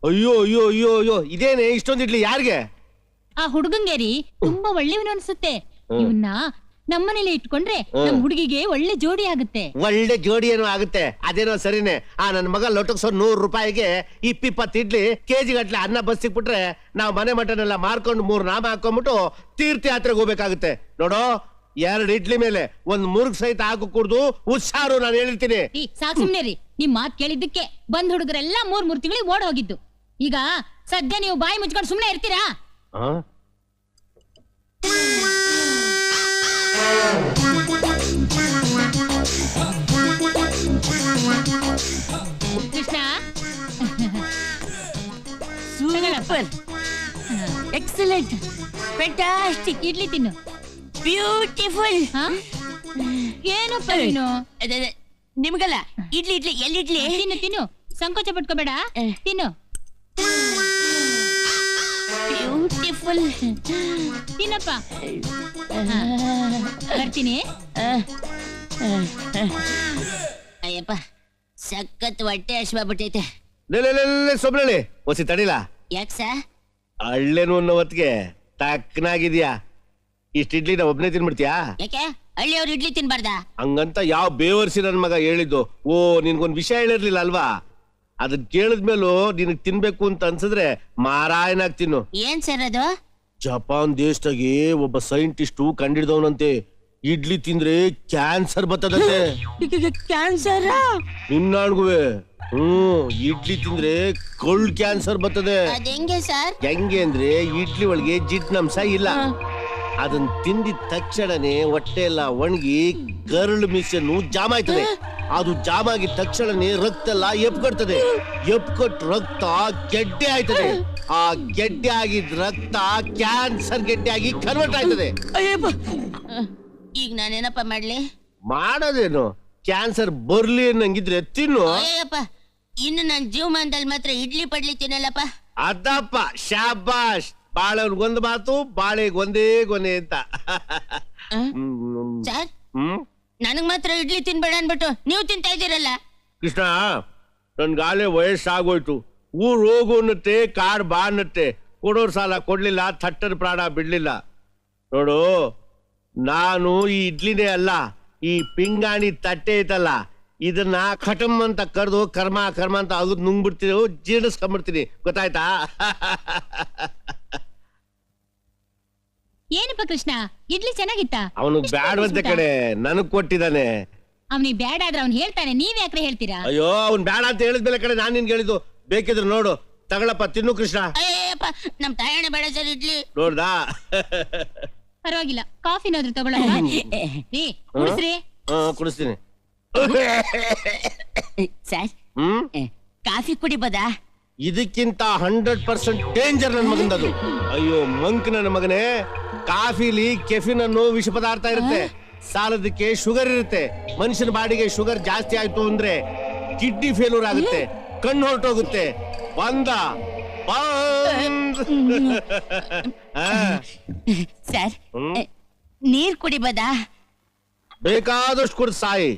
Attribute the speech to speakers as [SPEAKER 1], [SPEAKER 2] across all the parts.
[SPEAKER 1] ಅಯ್ಯೋ ಅಯ್ಯೋ ಅಯ್ಯೋ ಅಯ್ಯೋ ಇದೇನೆ ಇಷ್ಟೊಂದು ಇಡ್ಲಿ ಯಾರಿಗೆ?
[SPEAKER 2] ಆ ಹುಡುಗಂಗೇರಿ ತುಂಬಾ ಒಳ್ಳೆಯವನು ಅನ್ಸುತ್ತೆ. ಇವನ್ನ ನಮ್ಮನೇಲಿ ಇಟ್ಕೊಂಡ್ರೆ ನಮ್ ಹುಡುಗಿಗೆ ಒಳ್ಳೆ ಜೋಡಿ ಆಗುತ್ತೆ.
[SPEAKER 1] ಒಳ್ಳೆ ಜೋಡಿ ಏನೋ ಆಗುತ್ತೆ, ಅದೇನೋ ಸರಿನೇ. ನನ್ ಮಗ ಲೊಟಕ್ಸೋ 100 ರೂಪಾಯಿಗೆ 20 ಇಡ್ಲಿ ಕೆಜಿ ಗಟ್ಲೆ ಅನ್ನ ಬಸ್ ಸಿಕ್ಬಿಟ್ರೆ ನಾವ್ ಮನೆ ಮಟನೆಲ್ಲ ಮಾರ್ಕೊಂಡು 3 ನಾಮ ಹಾಕೊಂಡ್ಬಿಟ್ಟು ತೀರ್ಥಯಾತ್ರೆಗೆ ಹೋಗ್ಬೇಕಾಗುತ್ತೆ. ನೋಡೋ 2 ಇಡ್ಲಿ ಮೇಲೆ 1 ಮುರುಗ್ ಸಹಿತ ಹಾಕು ಕುಡ್ದು ಹುಷಾರು, ನಾನು ಹೇಳಿರ್ತೀನಿ.
[SPEAKER 2] ಸಾಕ್ ಸುಮ್ನೆ ರೀ, ನಿಮ್ ಮಾತ್ ಕೇಳಿದ್ದಕ್ಕೆ ಬಂದ್ ಹುಡುಗರೆಲ್ಲ 3 ತಿಂಗಳಿಗೆ ಓಡ್ ಹೋಗಿದ್ದು. ಈಗ ಸದ್ಯ ನೀವು ಬಾಯಿ ಮುಚ್ಕೊಂಡು ಸುಮ್ನೆ ಇರ್ತೀರಾ? Krishna
[SPEAKER 3] super, excellent, fantastic.
[SPEAKER 2] Idli ತಿನ್ನು.
[SPEAKER 3] ಬ್ಯೂಟಿಫುಲ್.
[SPEAKER 2] ಏನಪ್ಪ ನೀನು?
[SPEAKER 3] ನಿಮ್ಗಲ್ಲ, ಇಡ್ಲಿ ಇಡ್ಲಿ ಎಲ್ಲಿಡ್ಲಿ?
[SPEAKER 2] ತಿನ್ನು ತಿನ್ನು, ಸಂಕೋಚ ಪಟ್ಕೋಬೇಡ, ತಿನ್ನು.
[SPEAKER 3] ಬ್ಯೂಟಿಫುಲ್.
[SPEAKER 2] ತಿನ್ನಪ್ಪ. ಬರ್ತೀನಿ.
[SPEAKER 3] ಅಯ್ಯಪ್ಪ, ಸಖತ್ ಹೊಟ್ಟೆ ಹಶ್ವಾಗ್ಬಿಟ್ಟೈತೆ.
[SPEAKER 1] ಸೊಬ್ಳಿ ಒಸಿ ತಡಿಲ.
[SPEAKER 3] ಯಾಕ ಸರ್?
[SPEAKER 1] ಹಳ್ಳೇನು ಅನ್ನೋ ಹೊತ್ತಿಗೆ ತಕ್ಕನಾಗಿದ್ಯಾ. ಇಷ್ಟ ಇಡ್ಲಿ ನಾ ಒಬ್ನೇ ತಿನ್ಬಿಡ್ತೀಯಾ?
[SPEAKER 3] ಯಾಕೆ ಹಳ್ಳಿಯವ್ರು ಇಡ್ಲಿ ತಿನ್ಬಾರ್ದ?
[SPEAKER 1] ಹಂಗಂತ ಯಾವ ಬೇವರ್ಸಿ ನನ್ ಮಗ ಹೇಳಿದ್ದು. ಓ, ನಿನ್ಗೊಂದ್ ವಿಷಯ ಹೇಳಿರ್ಲಿಲ್ಲ ಅಲ್ವಾ? ಅದನ್ ಕೇಳಿದ್ಮೇಲೂ ನಿನಗ್ ತಿನ್ಬೇಕು ಅಂತ ಅನ್ಸಿದ್ರೆ ಮಾರಾಯನಾಗ್ ತಿನ್ನು.
[SPEAKER 3] ಏನ್ ಸರ್ ಅದು?
[SPEAKER 1] ಜಪಾನ್ ದೇಶದಾಗೆ ಒಬ್ಬ ಸೈಂಟಿಸ್ಟು ಕಂಡಿಡ್ದವನಂತೆ, ಇಡ್ಲಿ ತಿಂದ್ರೆ ಕ್ಯಾನ್ಸರ್ ಬರ್ತದಂತೆ.
[SPEAKER 3] ಕ್ಯಾನ್ಸರ್?
[SPEAKER 1] ನಿನ್ನಾಣ್ಗುವೆ ಇಡ್ಲಿ ತಿಂದ್ರೆ ಕೋಲ್ಡ್ ಕ್ಯಾನ್ಸರ್ ಬರ್ತದೆ.
[SPEAKER 3] ಹೆಂಗೆ ಸರ್?
[SPEAKER 1] ಹೆಂಗೆ ಅಂದ್ರೆ ಇಡ್ಲಿ ಒಳಗೆ ಜಿಡ್ನಂಶ ಇಲ್ಲ. ಅದನ್ನ ತಿಂದಿದ ತಕ್ಷಣನೇ ಹೊಟ್ಟೆ ಎಲ್ಲ ಒಣಗಿ ಕರಳು ಮಿಷನ್ ಜಾಮ್ ಆಯ್ತದೆ. ಅದು ಜಾಮ್ ಆಗಿದ ತಕ್ಷಣನೇ ರಕ್ತ ಎಲ್ಲ ಎಪ್ಕೊಡ್ತದೆ. ಎಪ್ಕೊಟ್ ರಕ್ತ ಗೆಡ್ಡೆ ಆಯ್ತದೆ. ಆ ಗೆಡ್ಡೆ ಆಗಿದ್ ರಕ್ತ ಕ್ಯಾನ್ಸರ್ ಗೆಡ್ಡೆ ಆಗಿ ಕನ್ವರ್ಟ್ ಆಯ್ತದೆ.
[SPEAKER 3] ಈಗ ನಾನೇನಪ್ಪ ಮಾಡ್ಲಿ?
[SPEAKER 1] ಮಾಡೋದೇನು, ಕ್ಯಾನ್ಸರ್ ಬರ್ಲಿ ಅನ್ನಂಗಿದ್ರೆ ತಿನ್ನು.
[SPEAKER 3] ಅಯ್ಯಪ್ಪ, ಇನ್ನು ನನ್ ಜೀವಮಾನದಲ್ಲಿ ಮಾತ್ರ ಇಡ್ಲಿ ಪಡ್ಲಿ ತಿನ್ನಲ್ಲಪ್ಪ.
[SPEAKER 1] ಅದಪ್ಪ, ಶಾಬಾಷ್. ಬಾಳೆಗೊಂದು ಮಾತು, ಬಾಳೆಗೆ ಒಂದೇ ಗೊನೆ ಅಂತ.
[SPEAKER 3] ಸರ್, ನನಗ್ ಮಾತ್ರ ಇಡ್ಲಿ ತಿನ್ಬೇಡ ಅನ್ಬಿಟ್ಟು ನೀವು ತಿಂತಾ ಇದ್ದೀರಲ್ಲ.
[SPEAKER 1] ಕೃಷ್ಣ, ನನ್ಗಾಲೆ ವಯಸ್ಸಾಗೋಯ್ತು. ಊರ್ ಹೋಗು ಅನ್ನತ್ತೆ, ಕಾರ್ ಬಾ ಅನ್ನತ್ತೆ. ಕೊಡೋರ್ ಸಾಲ ಕೊಡ್ಲಿಲ್ಲ, ಥಟ್ಟರ್ ಪ್ರಾಣ ಬಿಡ್ಲಿಲ್ಲ. ನೋಡು, ನಾನು ಈ ಇಡ್ಲಿನೇ ಅಲ್ಲ, ಈ ಪಿಂಗಾಣಿ ತಟ್ಟೆ ಐತಲ್ಲ, ಇದನ್ನ ಖಟಮ್ ಅಂತ ಕರೆದು ಕರ್ಮ ಕರ್ಮ ಅಂತ ಅಗದ್ ನುಂಗ್ಬಿಡ್ತೀನಿ, ಜೀರ್ಣಿಸ್ಕೊಂಡ್ಬಿಡ್ತೀನಿ. ಗೊತ್ತಾಯ್ತಾ?
[SPEAKER 2] ಏನಪ್ಪ ಕೃಷ್ಣ, ಇಡ್ಲಿ ಚೆನ್ನಾಗಿತ್ತ?
[SPEAKER 1] ಅವನು ಬ್ಯಾಡವಂತೆ ಕಡೆ ನನಗ್ ಕೊಟ್ಟಿದ್ದಾನೆ.
[SPEAKER 2] ಅವನಿಗೆ ಬ್ಯಾಡ ಆದ್ರೆ ಅವ್ನು ಹೇಳ್ತಾನೆ, ನೀವ್ ಯಾಕ್ರೆ ಹೇಳ್ತೀರಾ?
[SPEAKER 1] ಅಯ್ಯೋ, ಅವ್ನ್ ಬ್ಯಾಡ ಅಂತ ಹೇಳಿದ್ಮೇಲೆ ಕಡೆ ನಾನ್ ನಿನ್ಗೆ ಹೇಳಿದ್ದು. ಬೇಕಿದ್ರೆ ನೋಡು, ತಗೊಳಪ್ಪ, ತಿನ್ನು ಕೃಷ್ಣ.
[SPEAKER 3] ಅಯ್ಯಪ್ಪ, ನಮ್ ತಾಯಣ್ಣ ಬೇಡ ಸರ್ ಇಡ್ಲಿ.
[SPEAKER 1] ನೋಡ್ದಾ?
[SPEAKER 2] ಪರವಾಗಿಲ್ಲ, ಕಾಫಿನಾದ್ರೂ ತಗೊಳ್ಳೋಣ. ಕುಡಿಸ್ರಿ.
[SPEAKER 1] ಕುಡಿಸ್ತೀನಿ.
[SPEAKER 3] ಸರ್, ಕಾಫಿ ಕುಡಿಬೋದಾ?
[SPEAKER 1] ಇದಕ್ಕಿಂತ 100% ಡೇಂಜರ್ ನನ್ ಮಗಂದದು. ಅಯ್ಯೋ ಮಂಕ್, ನನ್ನ ಮಗನೇ, ಕಾಫಿಲಿ ಕೆಫಿನ್ ಅನ್ನೋ ವಿಷ ಪದಾರ್ಥ ಇರುತ್ತೆ. ಸಾಲದಕ್ಕೆ ಶುಗರ್ ಇರುತ್ತೆ. ಮನುಷ್ಯನ ಬಾಡಿಗೆ ಶುಗರ್ ಜಾಸ್ತಿ ಆಯ್ತು ಅಂದ್ರೆ ಕಿಡ್ನಿ ಫೇಲ್ಯೂರ್ ಆಗುತ್ತೆ, ಕಣ್ಣು ಹೊರಟೋಗುತ್ತೆ. ಬಂದ
[SPEAKER 3] ಸರ್, ನೀರ್ ಕುಡಿಬೋದಾ?
[SPEAKER 1] ಬೇಕಾದಷ್ಟು ಕುಡಿದು ಸಾಯಿ.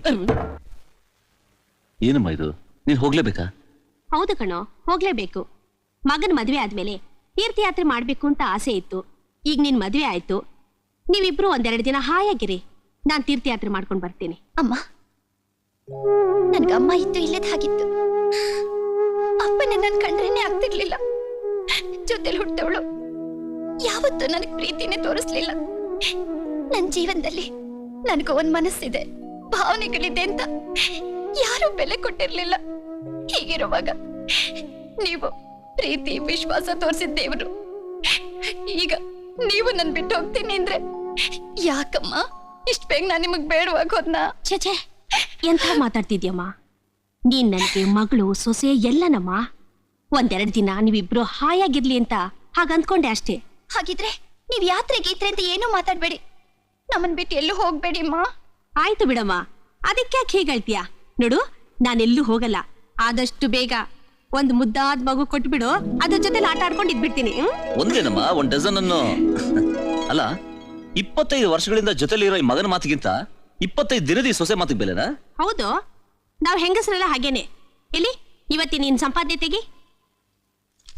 [SPEAKER 4] ಏನಮ್ಮ ಇದು, ನೀನ್ ಹೋಗ್ಲೇಬೇಕಾ?
[SPEAKER 5] ಹೌದು ಕಣೋ, ಹೋಗ್ಲೇಬೇಕು. ಮಗನ್ ಮದ್ವೆ ಆದ್ಮೇಲೆ ತೀರ್ಥಯಾತ್ರೆ ಮಾಡ್ಬೇಕು ಅಂತ ಆಸೆ ಇತ್ತು. ಈಗ ನಿನ್ ಮದ್ವೆ ಆಯ್ತು, ನೀವಿಬ್ರು 1-2 ದಿನ ಹಾಯಾಗಿರಿ. ನಾನ್ ತೀರ್ಥಯಾತ್ರೆ ಮಾಡ್ಕೊಂಡ್ ಬರ್ತೀನಿ.
[SPEAKER 6] ಅಮ್ಮ, ನನ್ಗಮ್ಮ ಇತ್ತು ಇಲ್ಲದ ಹಾಗಿತ್ತು. ಅಪ್ಪನ ನನ್ ಕಂಡ್ರೇನೆ ಆಗ್ತಿರ್ಲಿಲ್ಲ. ಜೊತೆಲಿ ಹುಟ್ಟವಳು ಯಾವತ್ತೂ ನನಗ್ ಪ್ರೀತಿನೇ ತೋರಿಸ್ಲಿಲ್ಲ. ನನ್ ಜೀವನದಲ್ಲಿ ನನಗೂ ಒಂದ್ ಮನಸ್ಸಿದೆ, ಭಾವನೆಗಳಿದೆ ಅಂತ ಯಾರು ಬೆಲೆ ಕೊಟ್ಟಿರ್ಲಿಲ್ಲ. ಹೀಗಿರುವಾಗ ನೀವು ಪ್ರೀತಿ ವಿಶ್ವಾಸ ತೋರಿಸಿದ ದೇವರು, ಈಗ ನೀವು ನನ್ ಬಿಟ್ಟು ಹೋಗ್ತೀನಿ ಅಂದ್ರೆ ಯಾಕಮ್ಮ ಇಷ್ಟ ಬೇಗ ನಾನ್ ನಿಮಗ್ ಬೇಡವಾಗ ಹೋದ್ನಾ?
[SPEAKER 5] ಛೇ, ಎಂಥ ಮಾತಾಡ್ತಿದ್ಯಮ್ಮ ನೀನ್? ನನ್ಗೆ ಮಗಳು ಸೊಸೆ ಎಲ್ಲನಮ್ಮ. 1-2 ದಿನ ನೀವಿಬ್ರು ಹಾಯಾಗಿರ್ಲಿ ಅಂತ ಹಾಗ ಅಂದ್ಕೊಂಡೆ ಅಷ್ಟೇ.
[SPEAKER 6] ಹಾಗಿದ್ರೆ ನೀವ್ ಯಾತ್ರೆ ಗೀತ್ರೆ ಅಂತ ಏನೂ ಮಾತಾಡ್ಬೇಡಿ, ನಮ್ಮನ್ ಬಿಟ್ಟು ಎಲ್ಲೂ ಹೋಗ್ಬೇಡಿ ಅಮ್ಮ.
[SPEAKER 5] ಆಯ್ತು ಬಿಡಮ್ಮ, ಅದಕ್ಕ್ಯಾಕೆ ಹೀಗಳ್ತೀಯ? ನೋಡು, ನಾನೆಲ್ಲೂ ಹೋಗಲ್ಲ. ಆದಷ್ಟು ಬೇಗ ಒಂದ್ ಮುದ್ದಾದ ಮಗು ಕೊಟ್ಬಿಡು, ಅದ್ರ ಜೊತೆ ಆಟ ಆಡ್ಕೊಂಡು ಇದ್ಬಿಡ್ತೀನಿ.
[SPEAKER 4] ಒಂದೇನಮ್ಮ, 1 ಡಜನ್ ಅನ್ನು ಅಲ್ಲ. 25 ವರ್ಷಗಳಿಂದ ಜೊತೆಲಿರೋ ಈ ಮಗನ ಮಾತಿಗಿಂತ 25 ದಿನದ ಈ ಸೊಸೆ ಮಾತಿಗೆ ಬೆಲೆನಾ?
[SPEAKER 5] ಹೌದು, ನಾವ್ ಹೆಂಗಸರೆಲ್ಲ ಹಾಗೇನೆ. ಎಲ್ಲಿ ಇವತ್ತಿ ನೀನ್ ಸಂಪಾದನೆ ತೆಗಿ.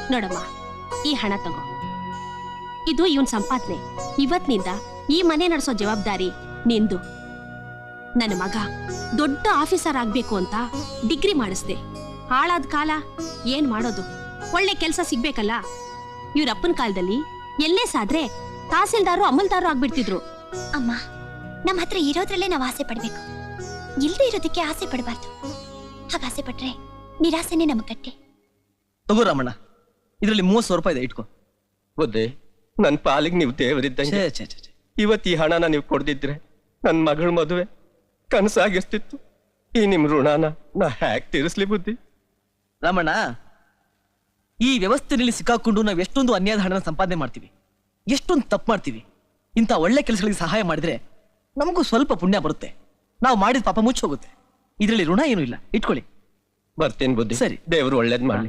[SPEAKER 5] ನೋಡಮ್ಮ, ಈ ಹಣ ತಗೋ. ಇದು ಇವನ್ ಸಂಪಾದನೆ. ಇವತ್ತಿನಿಂದ ಈ ಮನೆ ನಡೆಸೋ ಜವಾಬ್ದಾರಿ ನಿಂದು. ನನ್ನ ಮಗ ದೊಡ್ಡ ಆಫೀಸರ್ ಆಗ್ಬೇಕು ಅಂತ ಡಿಗ್ರಿ ಮಾಡಿಸ್ದೆ. ಹಾಳಾದ ಕಾಲ ಏನ್ ಮಾಡೋದು? ಒಳ್ಳೆ ಕೆಲಸ ಸಿಗ್ಬೇಕಲ್ಲ. ಇವ್ರಪ್ಪನ ಕಾಲದಲ್ಲಿ ಎಲ್ಲೇ ಸಾದ್ರೆ ತಹಸೀಲ್ದಾರು ಅಮಲ್ದಾರು ಆಗ್ಬಿಡ್ತಿದ್ರು.
[SPEAKER 6] ಅಮ್ಮ, ನಮ್ಮ ಹತ್ರ ಇರೋದ್ರಲ್ಲೇ ನಾವು ಆಸೆ ಪಡ್ಬೇಕು, ಇಲ್ದೇ ಇರೋದಕ್ಕೆ ಆಸೆ ಪಡಬಾರ್ದು. ಹಾಗೆ ಆಸೆ ಪಟ್ರೆ ನಿರಾಸೆನೆ ನಮ್ ಕಟ್ಟೆ.
[SPEAKER 7] ತಗೋ ರಾಮಣ್ಣ, ಇದರಲ್ಲಿ 30,000 ರೂಪಾಯಿ ಇದೆ, ಇಟ್ಕೋ.
[SPEAKER 8] ಬುದ್ಧಿ, ನನ್ ಪಾಲಿಗೆ ನೀವು ದೇವರಿದ್ದಂಗೆ. ಇವತ್ತು ಈ ಹಣನ ನೀವು ಕೊಡ್ದಿದ್ರೆ ನನ್ ಮಗಳ ಮದುವೆ ಕನಸಾಗಿರ್ತಿತ್ತು. ಈ ನಿಮ್ ಋಣನ ನಾ ಹ್ಯಾಕ್ ತೀರಿಸ್ಲಿ ಬುದ್ಧಿ?
[SPEAKER 7] ರಾಮಣ್ಣ, ಈ ವ್ಯವಸ್ಥೆಯಲ್ಲಿ ಸಿಕ್ಕಾಕೊಂಡು ನಾವು ಎಷ್ಟೊಂದು ಅನ್ಯಾಯದ ಹಣನ ಸಂಪಾದನೆ ಮಾಡ್ತೀವಿ, ಎಷ್ಟೊಂದು ತಪ್ಪು ಮಾಡ್ತೀವಿ. ಇಂಥ ಒಳ್ಳೆ ಕೆಲಸಗಳಿಗೆ ಸಹಾಯ ಮಾಡಿದ್ರೆ ನಮಗೂ ಸ್ವಲ್ಪ ಪುಣ್ಯ ಬರುತ್ತೆ. ನಾವು ಮಾಡಿದ ಪಾಪ ಮುಚ್ಚೋಗುತ್ತೆ. ಇದರಲ್ಲಿ ಋಣ ಏನೂ ಇಲ್ಲ, ಇಟ್ಕೊಳ್ಳಿ.
[SPEAKER 8] ಬರ್ತೀನಿ ಬುದ್ಧಿ.
[SPEAKER 7] ಸರಿ.
[SPEAKER 8] ದೇವ್ರು ಒಳ್ಳೇದ್ ಮಾಡ್ಲಿ.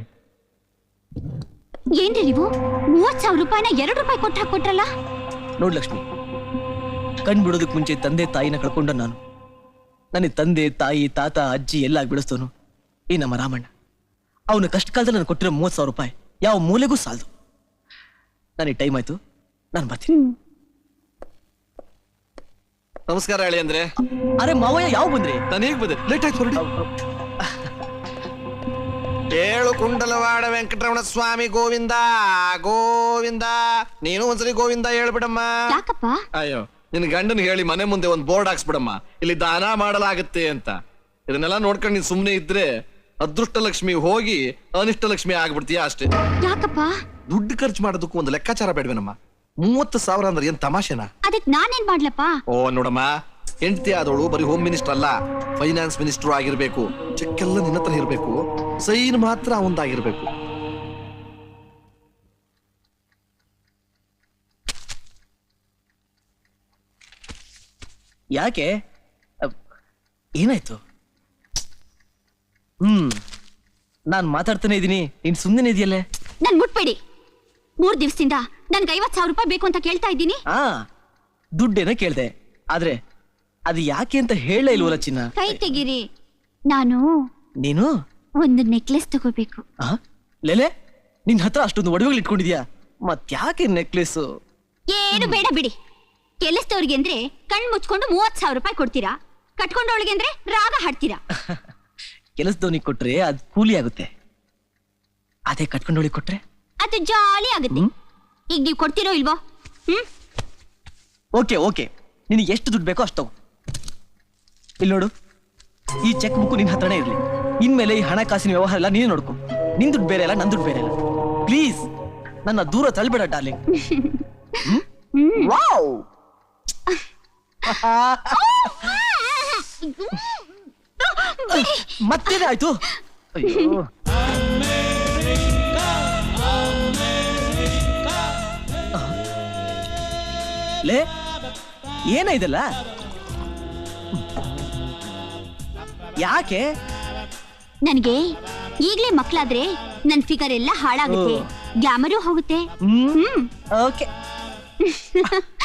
[SPEAKER 6] ಏನ್ರಿ ನೀವು 30,000 ರೂಪಾಯಿನ 2 ರೂಪಾಯಿ ಕೊಟ್ಟು ಹಾಕೊಟ್ರಲ್ಲ?
[SPEAKER 7] ನೋಡ್ ಲಕ್ಷ್ಮಿ, ಕಣ್ ಬಿಡೋದಕ್ಕೆ ಮುಂಚೆ ತಂದೆ ತಾಯಿನ ಕಳ್ಕೊಂಡ ನಾನು. ನನಗೆ ತಂದೆ ತಾಯಿ ತಾತ ಅಜ್ಜಿ ಎಲ್ಲ ಬೆಳೆಸ್ತವನು ಈ ನಮ್ಮ ರಾಮಣ್ಣ. ಅವನ ಕಷ್ಟ ಕಾಲದಲ್ಲಿ ನಾನು ಕೊಟ್ಟಿರೋ 30,000 ರೂಪಾಯಿ ಯಾವ ಮೂಲೆಗೂ ಸಾಲದು. ನನಗೆ ಟೈಮ್ ಆಯ್ತು, ನಾನು ಬರ್ತೀನಿ.
[SPEAKER 9] ನಮಸ್ಕಾರ ಹೇಳಿ ಅಂದ್ರೆ.
[SPEAKER 7] ಅರೆ ಮಾವಯ್ಯ, ಯಾವ ಬಂದ್ರಿ?
[SPEAKER 9] ನಾನು ಹೇಗ್ ಬಂದೆ? ಲೇಟ್ ಆಯ್ತು ಹೊರಡಿ. ಏಳು ಕುಂಡಲವಾಡ ವೆಂಕಟರಮಣ ಸ್ವಾಮಿ ಗೋವಿಂದ ಗೋವಿಂದ. ನೀನು ಒಂದ್ಸರಿ ಗೋವಿಂದ ಹೇಳ್ಬಿಡಮ್ಮ.
[SPEAKER 6] ಯಾಕಪ್ಪ?
[SPEAKER 9] ಅಯ್ಯೋ, ನಿನ್ ಗಂಡನ್ ಹೇಳಿ ಮನೆ ಮುಂದೆ ಒಂದ್ ಬೋರ್ಡ್ ಹಾಕ್ಸ್ಬಿಡಮ್ಮ, ಇಲ್ಲಿ ದಾನ ಮಾಡಲಾಗತ್ತೆ ಅಂತ. ಇದನ್ನೆಲ್ಲ ನೋಡ್ಕೊಂಡು ನೀನ್ ಸುಮ್ನೆ ಇದ್ರೆ ಅದೃಷ್ಟ ಲಕ್ಷ್ಮಿ ಹೋಗಿ ಅನಿಷ್ಟ ಲಕ್ಷ್ಮಿ ಆಗ್ಬಿಡ್ತೀಯ ಅಷ್ಟೇ.
[SPEAKER 6] ಯಾಕಪ್ಪ?
[SPEAKER 9] ದುಡ್ಡು ಖರ್ಚು ಮಾಡೋದಕ್ಕೂ ಒಂದು ಲೆಕ್ಕಾಚಾರ ಬೇಡವೇನಮ್ಮ? 30,000 ಅಂದ್ರೆ ಏನ್ ತಮಾಷೆನಾ?
[SPEAKER 6] ಅದಕ್ ನಾನೇನ್ ಮಾಡ್ಲಪ್ಪ?
[SPEAKER 9] ಓ ನೋಡಮ್ಮ, ಹೆಂಡತಿ ಆದವಳು ಬರೀ ಹೋಮ್ ಮಿನಿಸ್ಟರ್ ಅಲ್ಲ, ಫೈನಾನ್ಸ್ ಮಿನಿಸ್ಟರ್ ಆಗಿರ್ಬೇಕು. ಚೆಕ್ ಎಲ್ಲ ನಿನ್ನ ಹತ್ರ ಇರ್ಬೇಕು, ಸೈನ್ ಮಾತ್ರ ಅವಂದಾಗಿರ್ಬೇಕು.
[SPEAKER 7] ಯಾಕೆ? ಏನಾಯ್ತು? ನಾನ್ ಮಾತಾಡ್ತಾನೆ ಇದೀನಿ, ನೀನ್ ಸುಮ್ಮನೆ ಇದೆಯಲ್ಲೇ.
[SPEAKER 6] ನನ್ ಮುಟ್ಬೇಡಿ. 3 ದಿವಸದಿಂದ ನನ್ಗೆ 50,000 ರೂಪಾಯಿ ಬೇಕು ಅಂತ ಕೇಳ್ತಾ ಇದ್ದೀನಿ.
[SPEAKER 7] ದುಡ್ಡೇನೋ ಕೇಳ್ದೆ, ಆದ್ರೆ ಅದು ಯಾಕೆ ಅಂತ ಹೇಳೇ ಇಲ್ವಲ್ಲ ಚಿನ್ನ.
[SPEAKER 6] ಕೈ ತೆಗೀರಿ. ನಾನು
[SPEAKER 7] ನೀನು
[SPEAKER 6] ಒಂದು ನೆಕ್ಲೆಸ್ ತಗೋಬೇಕು.
[SPEAKER 7] ಲೇಲೆ, ನಿನ್ ಹತ್ರ ಅಷ್ಟೊಂದು ಒಡವೆಗಳು ಇಟ್ಕೊಂಡಿದ್ಯಾ, ಮತ್ಯಾಕೆ ನೆಕ್ಲೆಸ್?
[SPEAKER 6] ಏನು ಬೇಡ ಬಿಡಿ. ಕೆಲಸದವ್ರಿಗೆ ಅಂದ್ರೆ ಕಣ್ ಮುಚ್ಕೊಂಡು 30,000 ರೂಪಾಯಿ ಕೊಡ್ತೀರಾ, ಕಟ್ಕೊಂಡವಳಿಗೆ ಅಂದ್ರೆ ರಾಗ ಹಾಡ್ತೀರಾ.
[SPEAKER 7] ಕೆಲಸದವನಿಗೆ ಕೊಟ್ರೆ ಅದು ಕೂಲಿ ಆಗುತ್ತೆ, ಅದೇ ಕಟ್ಕೊಂಡವಳಿಗೆ ಕೊಟ್ರೆ
[SPEAKER 6] ಅದು ಜಾಲಿ ಆಗುತ್ತೆ. ಈಗ ನೀವು ಕೊಡ್ತೀರೋ ಇಲ್ವೋ?
[SPEAKER 7] ಓಕೆ ಓಕೆ, ನಿನಗೆ ಎಷ್ಟು ದುಡ್ಡು ಬೇಕೋ ಅಷ್ಟು ತಗೋ. ಇಲ್ಲಿ ನೋಡು, ಈ ಚೆಕ್ ಬುಕ್ ನಿನ್ ಹತ್ರನೇ ಇರ್ಲಿ. ಇನ್ಮೇಲೆ ಈ ಹಣಕಾಸಿನ ವ್ಯವಹಾರ ಎಲ್ಲ ನೀನೇ ನೋಡ್ಕೊ. ನಿನ್ ದುಡ್ಡು ಬೇರೆ ಅಲ್ಲ, ನನ್ ದುಡ್ಡು ಬೇರೆ ಅಲ್ಲ. ಪ್ಲೀಸ್ ನನ್ನ ದೂರ ತಳ್ಬೇಡ ಡಾರ್ಲಿಂಗ್. ವಾವ್, ಮತ್ತೇನೆ ಆಯ್ತು? ಅಯ್ಯೋ, ಲೇ, ಏನ ಇದಲ್ಲ? ಯಾಕೆ?
[SPEAKER 6] ನನಗೆ ಈಗ್ಲೇ ಮಕ್ಳಾದ್ರೆ ನನ್ ಫಿಗರ್ ಎಲ್ಲ ಹಾಳಾಗುತ್ತೆ, ಗ್ಲಾಮರು ಹೋಗುತ್ತೆ.
[SPEAKER 7] ಓಕೆ